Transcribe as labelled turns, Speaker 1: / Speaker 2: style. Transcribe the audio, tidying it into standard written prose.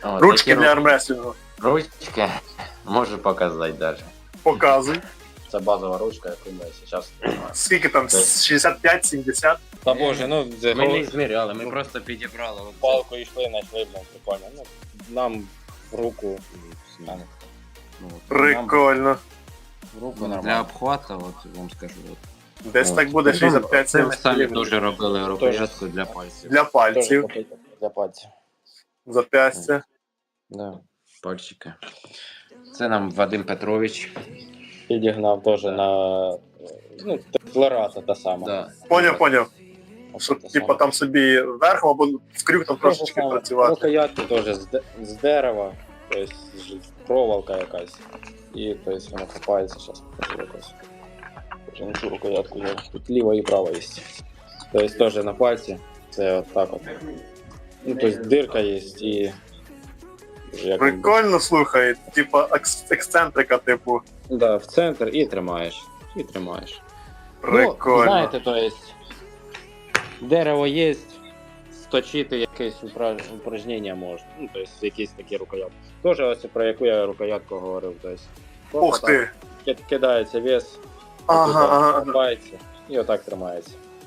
Speaker 1: О,
Speaker 2: Ручки
Speaker 1: такі
Speaker 2: для армрестлінгу.
Speaker 1: ручки можу показати навіть.
Speaker 2: Показуй.
Speaker 3: Це базова ручка, яку ми зараз.
Speaker 2: Скільки там? 65-70?
Speaker 3: Та боже, ну
Speaker 1: Ми не зміряли, ми просто підібрали. От
Speaker 3: палку йшли, знайшли, прикольно. Ну, нам в руку.
Speaker 1: це. Ну, от,
Speaker 2: Прикольно.
Speaker 3: В руку
Speaker 1: нам Для
Speaker 3: нормально.
Speaker 1: обхвату, от вам скажу. От.
Speaker 2: Десь так буде
Speaker 1: Це ми
Speaker 2: 65-70
Speaker 1: самі
Speaker 2: мм.
Speaker 1: дуже робили рукоятку для пальців.
Speaker 2: Для пальців.
Speaker 3: Теж для пальців.
Speaker 2: Зап'ястя.
Speaker 3: Да.
Speaker 1: Пальчики. Це нам Вадим Петрович.
Speaker 3: Підігнав теж на ну, флората та сама.
Speaker 1: Да.
Speaker 2: Поняв. Щоб типа там собі верхом або в крюк там трошечки працювати.
Speaker 3: Рукоятки теж з дерева, тобто проволока якась. І тобто воно копається, зараз покажу якось. Вже не цю рукоятку є. Тут ліва і права є. Тобто теж на пальці. Це от так от. Ну, тобто дирка є і. Як
Speaker 2: Прикольно, слухай, типа ексцентрика, типу.
Speaker 3: Да, в центр і тримаєш. І тримаєш. Ну,
Speaker 2: Прикольно.
Speaker 3: знаєте, то є, дерево є, сточити якесь упражнення можна. Ну, тобто якісь такі рукоятки. Тоже ось про яку я рукоятку говорив. Тобто,
Speaker 2: Ух ти.
Speaker 3: кидається вес,
Speaker 2: Ага.
Speaker 3: копається і отак тримається.